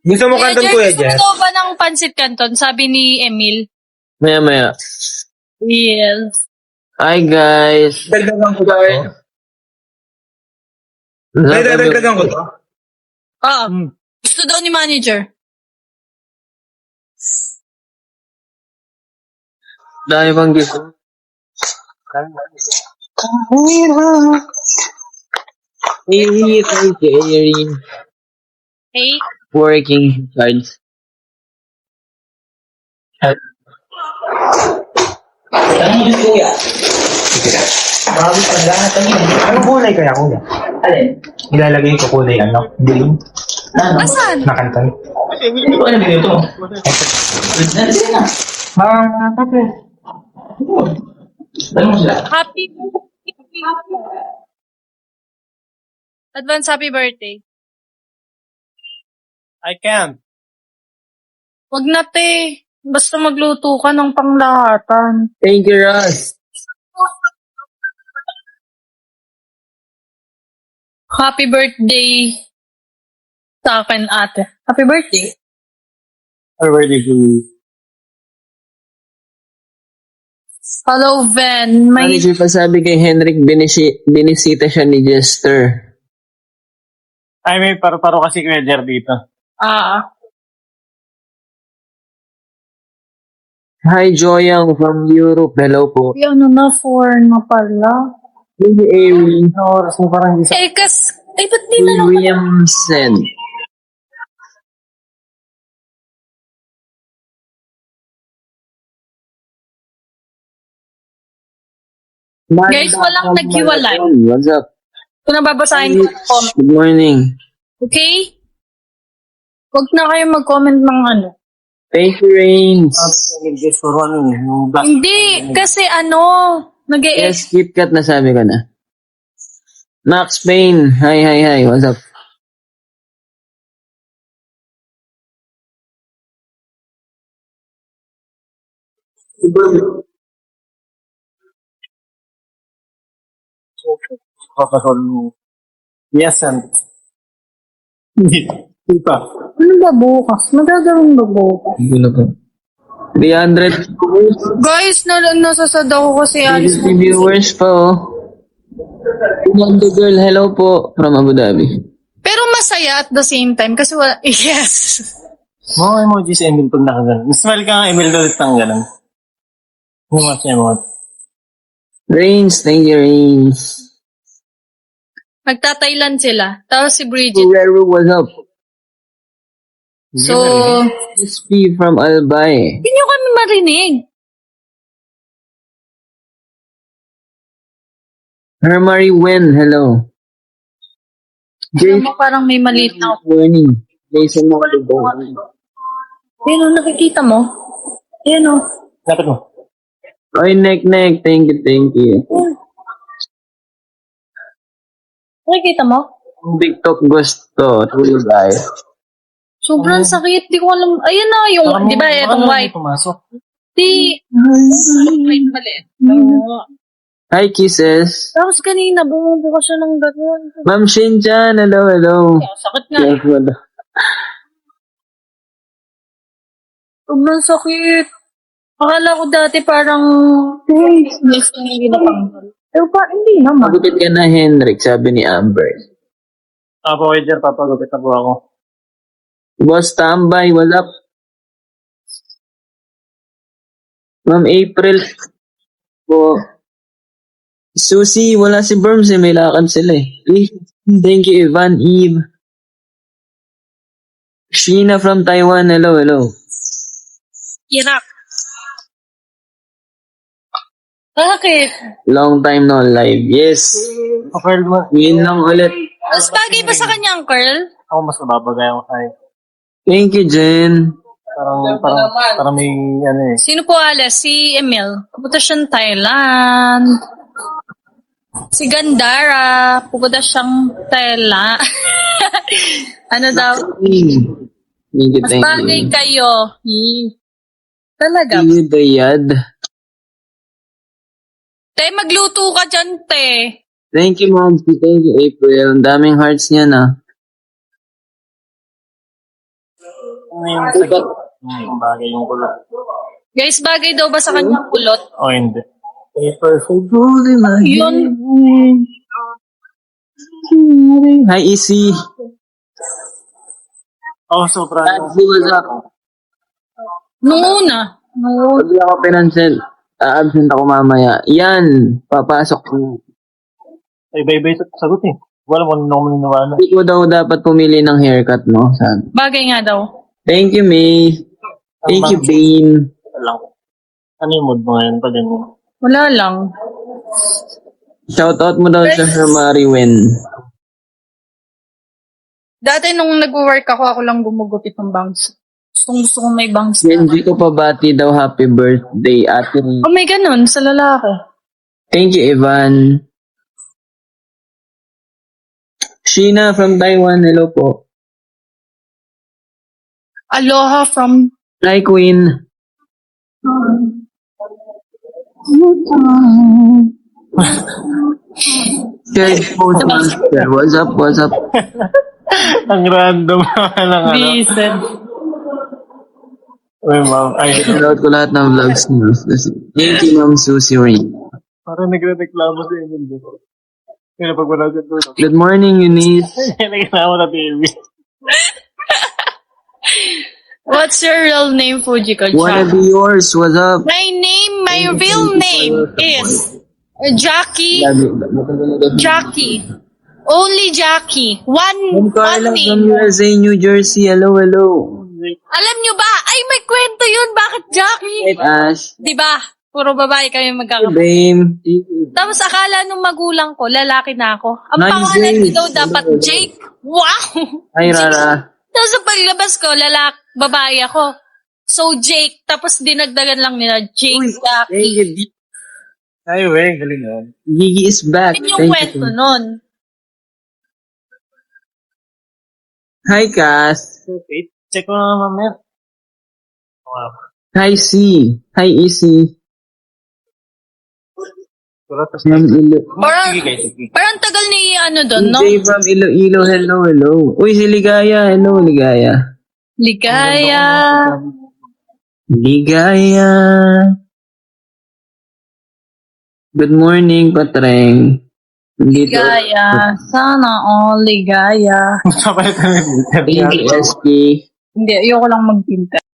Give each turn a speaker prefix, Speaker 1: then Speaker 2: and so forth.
Speaker 1: Gusto mo
Speaker 2: Kuya
Speaker 1: kanton,
Speaker 2: Jer,
Speaker 1: Kuya
Speaker 2: gusto mo
Speaker 1: Jer?
Speaker 2: daw ba ng pansit canton? Sabi ni Emil.
Speaker 3: Maya.
Speaker 2: Yes.
Speaker 3: Hi, guys.
Speaker 1: Dagdagan ko to. Ay, dadagdagan ko to.
Speaker 2: Gusto daw ni manager.
Speaker 3: Dahil bang gusto? Hey, thank you, Erin.
Speaker 2: Hey,
Speaker 3: Working hard.
Speaker 1: Anong kulay kaya, Kuya?
Speaker 4: Alin?
Speaker 1: Ilalagay ko kulay, ano? Green?
Speaker 2: asan?
Speaker 1: Na kanton.
Speaker 4: Hindi ko alam ito. Nandiyan na.
Speaker 1: Kape.
Speaker 4: Tanong mo sila.
Speaker 2: Happy Advance happy birthday.
Speaker 1: I can.
Speaker 2: Wag na, te. Basta magluto ka ng panglahatan.
Speaker 3: Thank you, Ross.
Speaker 2: Happy birthday sa akin, ate. Happy birthday.
Speaker 3: Already good.
Speaker 2: Hello, Ven. May
Speaker 3: Manager pa sabi kay Henrik, binisita siya ni Jester.
Speaker 1: Ay, may paru-paro kasi Kuya Jer dito.
Speaker 3: Hi, Joyang from Europe. Hello po.
Speaker 2: ano na, 4 na pala.
Speaker 3: Thank you, Erin.
Speaker 1: Oras mo parang hindi sa...
Speaker 2: Ba't di na lang?
Speaker 3: Williamson.
Speaker 2: Guys, walang naghiwalay.
Speaker 3: What's up?
Speaker 2: Kung nababasahin ko yung comment.
Speaker 3: Good morning.
Speaker 2: Okay? Huwag na kayo mag-comment ng ano.
Speaker 3: Thank you, Rains.
Speaker 1: Just for one, yung black.
Speaker 2: Hindi, kasi
Speaker 3: Yes, KitKat na sabi ko na. Max Payne. Hi. What's up?
Speaker 1: Papasol mo. Yes, and... Hindi pa.
Speaker 2: Ano ba bukas? Magagawin ba bukas?
Speaker 3: Hindi na po. 300
Speaker 2: Guys, nasasad ako kasi alis mo.
Speaker 3: viewers pa, oh. Wonder Girl, hello po from Abu Dhabi.
Speaker 2: Pero masaya at the same time kasi wala, yes.
Speaker 1: Mga emoji si Emil pag nakaganon. Smile ka nga, Emil, ulit ng ganon. Emoji.
Speaker 3: Rains, thank you, Rains.
Speaker 2: Nagta-Thailand sila. Tapos si Bridget.
Speaker 3: Guerrero, what's up?
Speaker 2: So,
Speaker 3: SP from Albay.
Speaker 2: hindi nyo kami marinig.
Speaker 3: Hermary Wen, hello.
Speaker 2: Alam mo, parang may maliit na
Speaker 3: Morning. Jason Makalubong.
Speaker 2: Ayun o, nakikita mo? Ayun o.
Speaker 1: Lapit mo.
Speaker 3: Oy, Nek, thank you.
Speaker 2: Nakikita mo?
Speaker 3: TikTok gusto, tuloy guys.
Speaker 2: Sobrang sakit. Di ko alam. Ayun na, yung, di ba, itong white.
Speaker 1: Pumasok.
Speaker 2: Di, white maliit.
Speaker 3: Hi, kisses.
Speaker 2: Tapos kanina, bumubuka siya ng gano'n.
Speaker 3: Ma'am Shinchan, hello.
Speaker 2: Sakit nga.
Speaker 3: Yes, wala.
Speaker 2: Sobrang sakit. Akala ko dati parang, next na yung ginapanggal. Pero hindi naman.
Speaker 3: Magupit ka na, Henrik, sabi ni Amber.
Speaker 1: Apo, Kuya Jer, papagupit na po ako.
Speaker 3: Boss Tambay, what's up? Ma'am April po. Susie, wala si Berms eh, may lakad sila eh. Thank you, Ivan, Eve. Sheena from Taiwan, hello.
Speaker 2: Iraq. Bakit?
Speaker 3: Long time no live. Yes.
Speaker 1: Okay, mo.
Speaker 3: Yun lang ulit.
Speaker 2: Mas bagay ba sa kanya ang curl?
Speaker 1: Ako mas nababagay ako sa'yo.
Speaker 3: Thank you, Jen.
Speaker 1: Parang may, ano eh.
Speaker 2: Sino po alas? Si Emil. Pupunta siyang Thailand. Si Gandara. Pupunta siyang Thailand. Ano daw?
Speaker 3: Thank you,
Speaker 2: Mas
Speaker 3: thank
Speaker 2: bagay
Speaker 3: you.
Speaker 2: kayo. Talaga.
Speaker 3: Thank you, Dayad.
Speaker 2: Te, magluto ka dyan, te.
Speaker 3: Thank you, Mom. Thank you, April. Ang daming hearts niya na.
Speaker 1: Ano yung sagot? Bagay yung kulot.
Speaker 2: Guys, bagay daw ba sa kanyang kulot?
Speaker 1: O hindi.
Speaker 3: Paper for gold in my
Speaker 2: Yun.
Speaker 3: Hi, Easy.
Speaker 1: Oh, sobra.
Speaker 3: Nancy, what's up?
Speaker 2: Nung una.
Speaker 3: Pag di ako pinansin, absent ako mamaya. Yan, papasok ko.
Speaker 1: Ay, iba-iba yung sagot eh. Wala mo nung maniniwala.
Speaker 3: Hindi ko daw dapat pumili ng haircut mo. Sabi.
Speaker 2: Bagay nga daw.
Speaker 3: Thank you, May. Thank you, Bane.
Speaker 1: Lang. Ano yung mood mo ngayon pa din?
Speaker 2: Wala lang.
Speaker 3: Shoutout mo daw sa Sir Mariwen.
Speaker 2: Dati nung nag-work ako lang gumugupit ng bangs. Gusto ko may bangs
Speaker 3: Hindi
Speaker 2: na.
Speaker 3: ko pabati daw happy birthday, Ate Rin.
Speaker 2: Oh, may ganun sa lalaki.
Speaker 3: Thank you, Evan. Sheena from Taiwan, hello po.
Speaker 2: Aloha from...
Speaker 3: Hi, Queen. Shared Postmaster, what's up, what's up?
Speaker 1: Ang random naman ng ano.
Speaker 2: Bisan.
Speaker 1: Uy, ma'am. Ay,
Speaker 3: Shoutout ko lahat ng vlogs niyo. Thank you, Ma'am Susie Rain.
Speaker 1: parang nagre-reklamo sa Emil dito. Kaya pag wala siya doon.
Speaker 3: Good morning, Eunice.
Speaker 1: Nagreklamo na TV.
Speaker 2: What's your real name, Fujiko?
Speaker 3: Wanna be yours, what's up?
Speaker 2: My real name is Jackie. Jackie. Only Jackie.
Speaker 3: Ma'am
Speaker 2: One
Speaker 3: Carla from
Speaker 2: name.
Speaker 3: USA, New Jersey, hello, hello.
Speaker 2: Alam nyo ba? Ay, may kwento yun. Bakit Jackie?
Speaker 3: Hey, Ash.
Speaker 2: Di ba? Puro babae kami
Speaker 3: Hey,
Speaker 2: magkakapatid.
Speaker 3: Bame.
Speaker 2: Tapos akala nung magulang ko, lalaki na ako. Ang
Speaker 3: Nice,
Speaker 2: pangalan ko
Speaker 3: Jake.
Speaker 2: daw dapat Jake. Wow!
Speaker 3: Hi, Rara.
Speaker 2: Tapos sa paglabas ko, babae ako. So, Jake. Tapos dinagdagan lang nila, Jake, Jackie.
Speaker 1: Ay, wey, galing yan.
Speaker 3: Gigi is back.
Speaker 2: Yun yung kwento nun.
Speaker 3: Hi, Cass.
Speaker 1: Wait, check mo na mamaya. Wow.
Speaker 3: Hi, C. Hi, Easy. From
Speaker 2: Parang, parang tagal ni ano doon, no?
Speaker 3: DJ from Iloilo, hello, hello. Uy, si Ligaya, hello, Ligaya.
Speaker 2: Ligaya.
Speaker 3: Ligaya. Good morning, Patreng. Dito.
Speaker 2: Ligaya. Sana all ligaya.
Speaker 1: Kapalitan ng
Speaker 3: Thank you, SK.
Speaker 2: Hindi, ayoko lang magpinta.